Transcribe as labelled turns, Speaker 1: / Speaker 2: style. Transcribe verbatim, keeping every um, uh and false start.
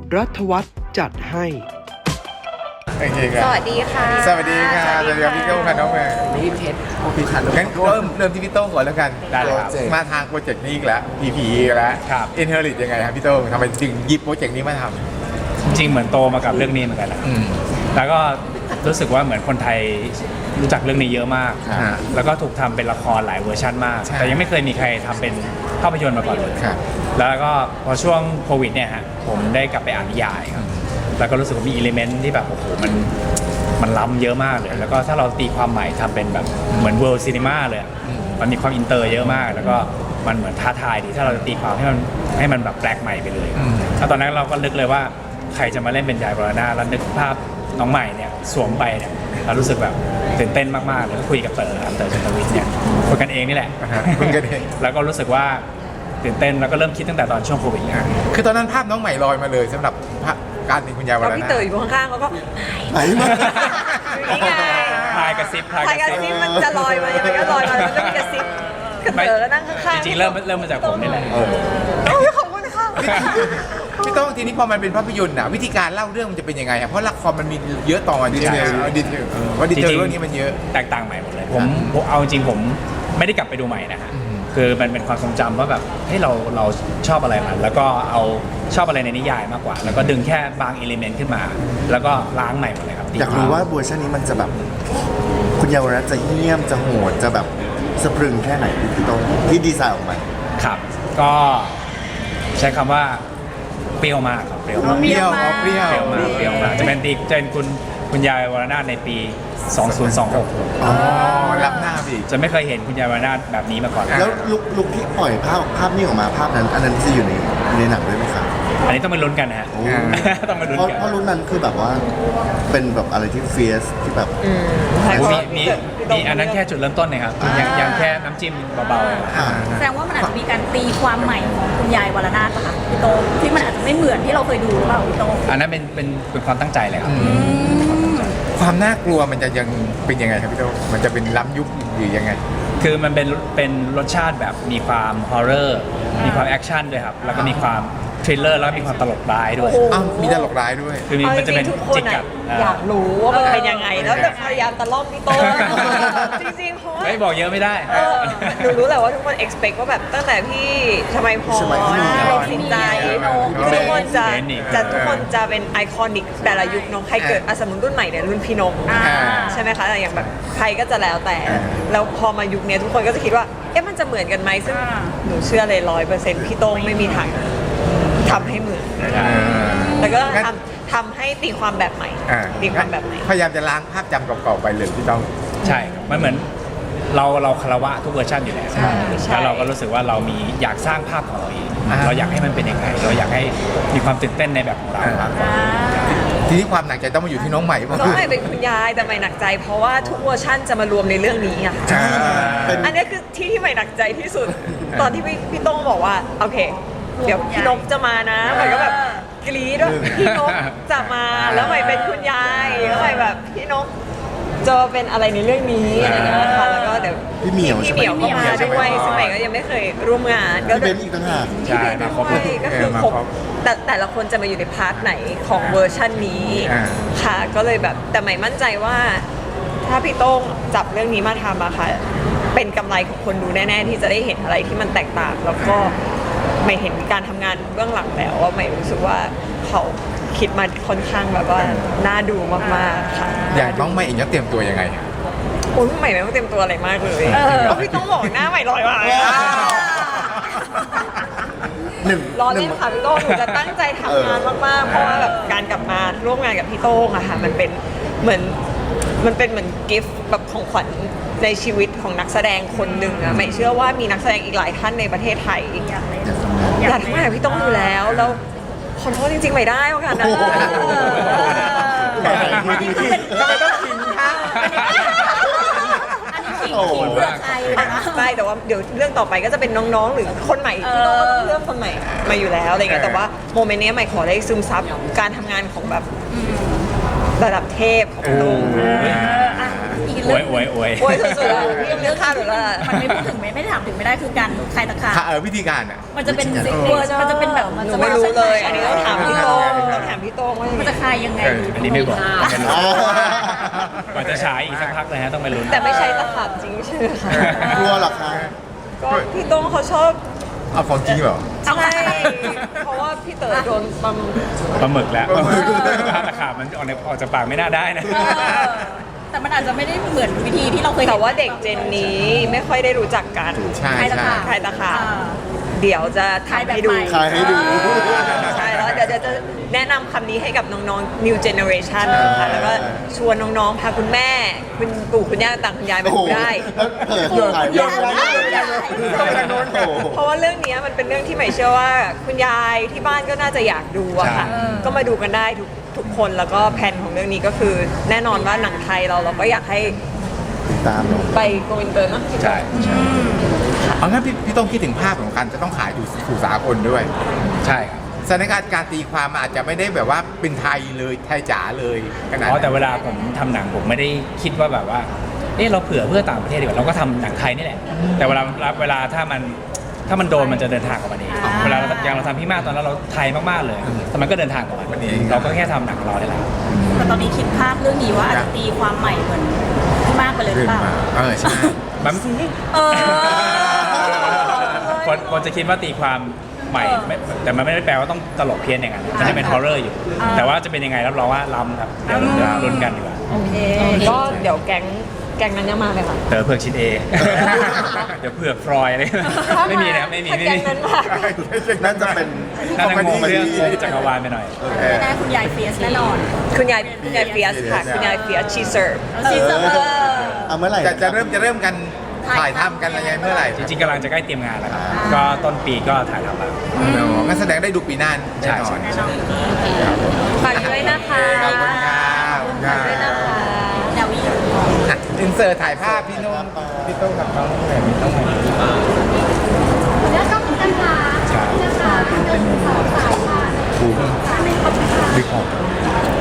Speaker 1: รัฐวัฒน์จัดให้
Speaker 2: โอเคครับ
Speaker 3: สวัสดีค่ะ
Speaker 2: สวัสดีค่ะสวัสดีครับพี่โต้งค่ะน้องแม่
Speaker 4: นี่เพชรโอเคค่ะ
Speaker 2: งั้นเริ่มเริ่มที่พี่โต้งก่อนแล้วกัน
Speaker 4: ได้เลยครับ
Speaker 2: มาทางโปรเจกต์นี้อีกแล้ว พี พี อีกแล้ว
Speaker 4: ครับ
Speaker 2: Inherit ยังไงครับพี่โต้งทำไมจึงหยิบโปรเจกต์นี้มาท
Speaker 4: จริงๆเหมือนโตมากับเรื่องนี้เหมือนกันแหละ
Speaker 2: ำอืม
Speaker 4: แล้วก็รู้สึกว่าเหมือนคนไทยรู้จักเรื่องนี้เยอะมาก
Speaker 2: ครับ
Speaker 4: แล้วก็ถูกทำเป็นละครหลายเวอร์ชันมาก
Speaker 2: ใช่
Speaker 4: แต่ยังไม่เคยมีใครทำเป็นภาพยนตร์มาก่อนเลย
Speaker 2: ครับ
Speaker 4: แล้วก็พอช่วงโควิดเนี่ยฮะผมได้กลับไปอ่านนิยายครับแล้วก็รู้สึกว่ามีอิเลเมนต์ที่แบบโอ้โหมันมันล้ำเยอะมากเลย แล้วก็ถ้าเราตีความใหม่ทำเป็นแบบเหมือนเวิลด์ซีนีมาเลยอะมันมีความอินเตอร์เยอะมาก แล้วก็มันเหมือนท้าทายดีถ้าเราจะตีความให้มันให้มันแบบแปลกใหม่ไปเลย
Speaker 2: อืม
Speaker 4: แล้วตอนนั้นเราก็นึกเลยว่าใครจะมาเล่นเป็นยายบรณาแล้วนึกภาพน้องใหม่เนี่ยสวมไปเนี่ยเรารู้สึกแบบตื่นเต้นมากๆเลยก็คุยกับเต๋อครับเต๋อชันทวิทย์เนี่ยคุยกันเองนี่แหละ
Speaker 2: อ่าฮะคุยกันเอง
Speaker 4: แล้วก็รู้สึกว่าตื่นเต้นแล้วก็เริ่มคิดตั้งแต่ตอนช่วงโควิดเนี่ย
Speaker 2: คือตอนนั้นภาพน้องใหม่ลอยมาเลยสำหรับภาพการเป็นคุณยายว
Speaker 3: แล้ว
Speaker 2: ร
Speaker 3: พี่
Speaker 2: นาถ
Speaker 3: เต๋ออยู่ข้างๆเขาก็
Speaker 2: ไหนมา
Speaker 3: นี่ไง
Speaker 4: พายกระซิบพาย
Speaker 3: พาย
Speaker 4: ก
Speaker 3: ก
Speaker 4: ระ
Speaker 3: ระ
Speaker 4: ซิ
Speaker 3: ซิ
Speaker 4: บบ
Speaker 3: มันจะลอยมายังไงก็ลอยมามันก็มีกระซิบกระเต๋อก็นั่งข้างๆ
Speaker 4: จริงๆเริ่มเริ่มมาจากผมนี่แหละ
Speaker 2: เออ
Speaker 3: โอ้ยขอบคุณค่ะ
Speaker 2: พี่โต้งทีนี้พอมันเป็นภาพยนตร์น่ะวิธีการเล่าเรื่องมันจะเป็นยังไงอะเพราะละครมันมีเยอะตอนดีเทลดีเทลว่าดีเทลเรื่องนี้มันเยอะ
Speaker 4: แตกต่างใหม่หมดเลยผมผมเอาจริงๆผมไม่ได้กลับไปดูใหม่นะฮะคือมันเป็นความทรงจำว่าแบบเฮ้ยเราเราชอบอะไรมันแล้วก็เอาชอบอะไรในนิยายมากกว่า แล้วก็ดึงแค่บางเอลิเมนต์ขึ้นมา แล้วก็ล้างใหม่หมดเลยครับ
Speaker 5: อยากรู้ว่าเวอร์ชันนี้มันจะแบบ คุณเยาวรัตน์จะเหี้ยมจะโหดจะแบบสะพรึงแค่ไหนพี่โต้งที่ดีไซน์ออกมา
Speaker 4: ครับก็ใช้คำว่าเปรี้ยวมากครับเปรี้ยวมาก
Speaker 2: เปรี้ยวอ๋อเปรี้ยว
Speaker 4: เปรี้ยวมากเปรี้ยวมากจะเป็นตีจะเป็นคุณคุณยายวรนาถในปี สองพันยี่สิบหก
Speaker 2: อ๋อรับหน้าไปอีก
Speaker 4: จะไม่เคยเห็นคุณยายวรนาถแบบนี้มาก่อน
Speaker 5: แล้วลุกลุกที่ปล่อยภาพภาพนี้ออกมาภาพนั้น อันนั้นจะอยู่ในในหนังด้วยไหมครับ
Speaker 4: อันนี้ต้องไปลุ้นกันนะฮะ
Speaker 5: โอ้
Speaker 4: ต้องมาลุ้น
Speaker 5: เพราะ
Speaker 4: กัน
Speaker 5: เพราะรุ่นนั้นคือแบบว่าเป็นแบบอะไรที่เฟียสที่แบบ
Speaker 4: มีมีมีอันนั้นแค่จุดเริ่มต้นนะครับยังยังแค่น้ำจิ้มเบาๆ
Speaker 5: อ่า
Speaker 6: แสดงว่ามันอาจจะมีการตีความใหม่ของคุณยายวรนาถป่ะคะพี่โตที่มันอาจจะไม่เหมือนที่เราเคยดูหรือเปล่าพี่โต
Speaker 4: อันนั้นเป็นเป็นเป็นความตั้งใจเลยครับ
Speaker 2: ความน่ากลัวมันจะยังเป็นยังไงครับพี่โต้งมันจะเป็นล้ำยุคหรือยังไง
Speaker 4: คือมันเป็นเป็นรสชาติแบบมีความฮอร์เรอร์มีความแอคชั่นด้วยครับ แล้วก็มีความทริลเลอร์แล้วก็มีความตลกร้ายด้วย
Speaker 2: อ้าวมีตลกร้ายด้วย
Speaker 4: คือมี
Speaker 3: เอาจ
Speaker 4: มันจะ
Speaker 3: ริ
Speaker 4: เป็น
Speaker 3: งๆทุกคน
Speaker 4: จิกกั
Speaker 3: อะ
Speaker 4: ด
Speaker 3: อยากรู้ว่ามันเป็นยังไงแล้วแบบพยายามตะล่อมพี่โตจริงๆเพราะว่า
Speaker 4: ไม่บอกเยอะไม่ได้
Speaker 3: เออหนูรู้แหละว่าทุกคน expect ว่าแบบตั้งแต่พี่ชมัยพร
Speaker 5: ชมัยพร
Speaker 3: เป็นสินใจ
Speaker 2: น้อง
Speaker 3: ทุกคนจะ
Speaker 4: เบนนี่
Speaker 3: จะทุกคนจะเป็นไอคอนิกแต่ละยุคเน้องใครเกิดอะสมมติรุ่นใหม่เนี่ยรุ่นพี่นก
Speaker 2: อ่า
Speaker 3: ใช่ไหมคะแต่อย่างแบบใครก็จะแล้วแต่ แล้วพอมายุคเนี้ยทุกคนก็จะคิดว่าเอ๊ะมันจะเหมือนกันไหมซึ่งหนูเชื่อเลยร้อยเปอร์เซ็นต์พี่โต้งไม่มีทางทำให้เหมือน
Speaker 4: ใช่
Speaker 3: แล้วก็
Speaker 2: งั้น
Speaker 3: ทำทำให้ตีความแบบใหม่
Speaker 2: อ่า
Speaker 3: ตีความแบบใหม่
Speaker 2: พยายามจะล้างภาพจำเก่าๆไปเลยพี่โต้ง
Speaker 4: ใช่ครับมันเหมือนเราเราคารวะทุกเวอร์ชันอยู่แล้ว
Speaker 3: ใช่ใช่
Speaker 4: แล้วเราก็รู้สึกว่าเรามีอยากสร้างภาพของเราเอง
Speaker 2: อ่า
Speaker 4: เราอยากให้มันเป็นยังไงเราอยากให้มีความตื่นเต้นในแบบของเรามากกว่า
Speaker 2: ทีนี้ความหนักใจต้องมาอยู่ที่น้องใหม่ป่ะ
Speaker 3: น้องใหม่เป็นคุณยายแต่ใหม่หนักใจ เพราะว่าทุกเวอร์ชั่นจะมารวมในเรื่องนี้อะค่ะ
Speaker 2: อ่า
Speaker 5: เป็น
Speaker 3: อันนี้คือที่ที่ใหม่หนักใจที่สุด ตอนที่พี่พี่โต้งบอกว่าโอเค เดี๋ยวพี่นกจะมานะใหม่ก็แบบกรี๊ดว่าพี่นกจะมาแล้วใหม่เป็นคุณยายแล้วใหม่แบบพี่นกจะเป็นอะไรในเรื่องนี้อะไรเงี้ยค่ะแล้วก็เดี๋ยว
Speaker 5: พี่เหมียว
Speaker 3: พี่
Speaker 5: ใช่ไห
Speaker 3: เห
Speaker 5: ม
Speaker 3: มียวก็มาด้วยซึ่งใหม่ก็ยังไม่เคยร่วมงานก็
Speaker 5: พี่เบนซ์อีกต่างหาก
Speaker 4: ใช่มาครบ
Speaker 3: ใช่ก็คือ
Speaker 2: เออมา
Speaker 3: ครบ
Speaker 2: ครบ
Speaker 3: แต่แต่ละคนจะมาอยู่ในพาร์ทไหนของเวอร์ชันนี้
Speaker 2: อ่า
Speaker 3: ค่ะก็เลยแบบแต่ใหม่มั่นใจว่าถ้าพี่โต้งจับเรื่องนี้มาทำอะค่ะเป็นกำไรของคนดูแน่ๆที่จะได้เห็นอะไรที่มันแตกต่าง แล้วก็ไม่เห็นการทำงานเบื้องหลังแล้วว่าไม่รู้สึกว่าเขาคิดมาค่อนข้างแบบว่าน่าดูมากๆค่ะ
Speaker 2: อย่างน้องใหม่เองจะเตรียมตัวยังไงอะ
Speaker 3: โอ้ยใหม่ไม่ต้องเตรียมตัวอะไรมากเลยเพราะพี่ต้องบอกหน้าใหม่ลอยมา
Speaker 5: หนึ่ง
Speaker 3: รอ
Speaker 5: ห
Speaker 3: เล่
Speaker 5: นึ่ง
Speaker 3: นค่ะพี่โต้งหนูจะตั้งใจทำงานมากๆ เพราะว่าแบบการกลับมาร่วมงานกับพี่โต้งอะค่ะมันเป็นเหมือนมันเป็นเหมือนกิฟต์แบบของขวัญในชีวิตของนักแสดงคนหนึ่งอะไม่เชื่อว่ามีนักแสดงอีกหลายท่านในประเทศไทย
Speaker 6: อยากเล่น
Speaker 3: อยากทำงานกับพี่โต้งอยู่แล้วแล้วขอโทษจริงๆไม่ได้โอกาสนะ
Speaker 6: อันนี้คือเป็น
Speaker 2: ทำไมต้องขิงคะ
Speaker 6: อันนี้ขิงขิงเพื่อใครนะคะ
Speaker 3: ใช่แต่ว่าเดี๋ยวเรื่องต่อไปก็จะเป็นน้องๆ หรือคนใหม่พี่โต้งก็ต้องเลือกคนใหม่มาอยู่แล้วอะไรเงี้ยแต่ว่าโมเมนต์นี้ใหม่ขอได้ซึมซับการทำงานของแบบระดับเทพของโต้ง
Speaker 6: เอออ่ะอีก
Speaker 4: อวยอวยอวย
Speaker 3: โอ้ยสุดๆอะพี่ยังเลือกข้าวหนูแล้วอะ
Speaker 6: มันไม่พูดถึงไม่ไม่ถามถึงไม่ได้คือการคลายตะขาบ
Speaker 2: ค่ะเออวิธีการอ่ะ
Speaker 6: มันจะเป็นเวอร์มันจะเป็นแบบ
Speaker 3: หนูไม่รู้เลย อันนี้ต้องถามพี่โต้งต้องถามพี่โต้งว่า
Speaker 6: มันจะคลายยังไง
Speaker 2: เออ
Speaker 4: อันนี้ไม่บอก
Speaker 5: อ่า
Speaker 4: ก่อนจะฉายอีกสักพักเลยฮะต้องไปลุ้น
Speaker 3: แต่ไม่ใช่ตะขาบจริงใช่ไหมคะ
Speaker 5: กลัวเหรอคะ
Speaker 3: ก็พี่โต้งเขาชอบ
Speaker 2: เอาของจริงเหรอ
Speaker 3: ใช่เพราะว่าพี่เต๋อโดนปั๊ม
Speaker 4: ปลาหมึกแล้ว
Speaker 2: ปลาหมึก
Speaker 4: ถ้าตะขาบมันออกในออกจากปากไม่น่าได้นะ
Speaker 6: เออแต่มันอาจจะไม่ได้เหมือนวิธีที่เราเคยเห็น
Speaker 3: แต่ว่าเด็กเจนนี้ไม่ค่อยได้รู้จักกัน
Speaker 2: ใช่
Speaker 6: คลายตะ
Speaker 2: ใช่
Speaker 6: ขาบ
Speaker 3: ใครตะขาบ
Speaker 6: อ่า
Speaker 3: เดี๋ยวจะทำให้ดู
Speaker 5: คลายให้ดู
Speaker 3: ใช่แล้วเดี๋ยวจะจะแนะนำคำนี้ให้กับน้องๆ new generation นะคะแล้วก็ชวนน้องๆ พาคุณแม่ คุณปู่คุณย่าต่างคุณยายมา
Speaker 5: โอ้โห
Speaker 3: ดูได้
Speaker 5: แล้วเปิดเปิดขายเยอะมากโอ้โห
Speaker 3: เพราะว่าเรื่องนี้มันเป็นเรื่องที่ใหม่เชื่อว่าคุณยายที่บ้านก็น่าจะอยากดูอะค่ะ
Speaker 4: ใช่
Speaker 3: ก็มาดูกันได้ทุกทุกคนแล้วก็แผนของเรื่องนี้ก็คือ แน่นอนว่าหนังไทยเราเราก็อยากให้
Speaker 5: ตามเนอะ
Speaker 3: ไปโกอินเตอร์เนอะ
Speaker 4: ใช่ใช่
Speaker 2: เอางั้นพี่พี่ต้องคิดถึงภาพของการจะต้องขายอยู่สู่สากลด้วย
Speaker 4: ใช่ครับ
Speaker 2: สถานการณ์การตีความมันอาจจะไม่ได้แบบว่าเป็นไทยเลยไทยจ๋าเลยขนาด
Speaker 4: อ๋อ
Speaker 2: นั้น
Speaker 4: แต่เวลาผมทำหนังผมไม่ได้คิดว่าแบบว่า เออเราเผื่อเพื่อต่างประเทศดีกว่าเราก็ทำหนังไทยนี่แหละ แต่เวลาเวลาถ้ามันถ้ามันโดนมันจะเดินทางกับมันเอง
Speaker 6: อ่า
Speaker 4: เวลาเราอย่างเราทำพี่มากตอนนั้นเราไทยมากๆเลยแต่มันก็เดินทางกับมันเราก็แค่ทำหนังของเราได้แหละ
Speaker 6: แต่ตอนนี้คิดภาพเรื่องนี้ว่าอาจจะตีความใหม่เหมือนที่มากไปเลยหรื
Speaker 2: เรื่
Speaker 6: อ
Speaker 2: อง
Speaker 6: เปล่า
Speaker 2: มาเออใช่
Speaker 4: มัน
Speaker 6: เออ
Speaker 4: คนคนจะคิดว่าตีความใหม่ไม่แต่มันไม่ได้แปลว่าต้องตลกเพี้ยนอย่างนั้นมันจะเป็นฮอร์เรอร์อยู่
Speaker 6: อ่า
Speaker 4: แต่ว่าจะเป็นยังไงรับรองว่าล้ำครับเดี๋ยวเดี๋ยวลุ้นกันดีกว่า
Speaker 6: โอเค
Speaker 3: ก็เดี๋ยวแก๊งแก๊งนั้นยังมาเลยค่ะ
Speaker 4: เต๋อเผือกชิ้นเอ เดี๋ยวเผือกฟรอยอะไรไม่มีนะครับไม่มี
Speaker 3: ถ้า
Speaker 4: ไม่
Speaker 3: แก๊ง
Speaker 4: มี
Speaker 3: นั้นมา
Speaker 5: น่าจะเป็น
Speaker 4: น่าจะงงเรื่องงงจักรวาลไปหน่อย
Speaker 6: แน่ๆคุณยายเฟียสแน่นอน
Speaker 3: คุณยายคุณยายเฟียสค่ะ คุณยายเฟียสชีเสิร์ฟ
Speaker 6: เอาซีเซอร์
Speaker 5: เอาเมื่อไหร่
Speaker 2: จะจะเริ่มจะเริ่มกันถ่ายทำกันอะไรเมื่อไหร่
Speaker 4: จริงๆกำลังจะใกล้เตรียมงานแล้วครับ ก็ต้นปีก็ถ่ายทำแล้ว
Speaker 2: เนอะงั้นแสดงได้ดูปีหน้าแน่นอน
Speaker 4: ใช่
Speaker 6: แน่นอน
Speaker 3: ฝากด้วยนะคะ
Speaker 2: ขอบคุณครับ
Speaker 3: ฝากด้วยนะคะ
Speaker 6: แนววิว
Speaker 2: อินเสิร์ตถ่ายภาพพี่โน้องพี่โต้งกับน้องแหม่มพี่โต้ง
Speaker 1: แล้วก็เหมือนกันค่ะนะคะเดินสาวสายค่ะ
Speaker 2: ภูมิ
Speaker 1: ไม่ครบค่ะ
Speaker 2: ดึกออก
Speaker 1: เ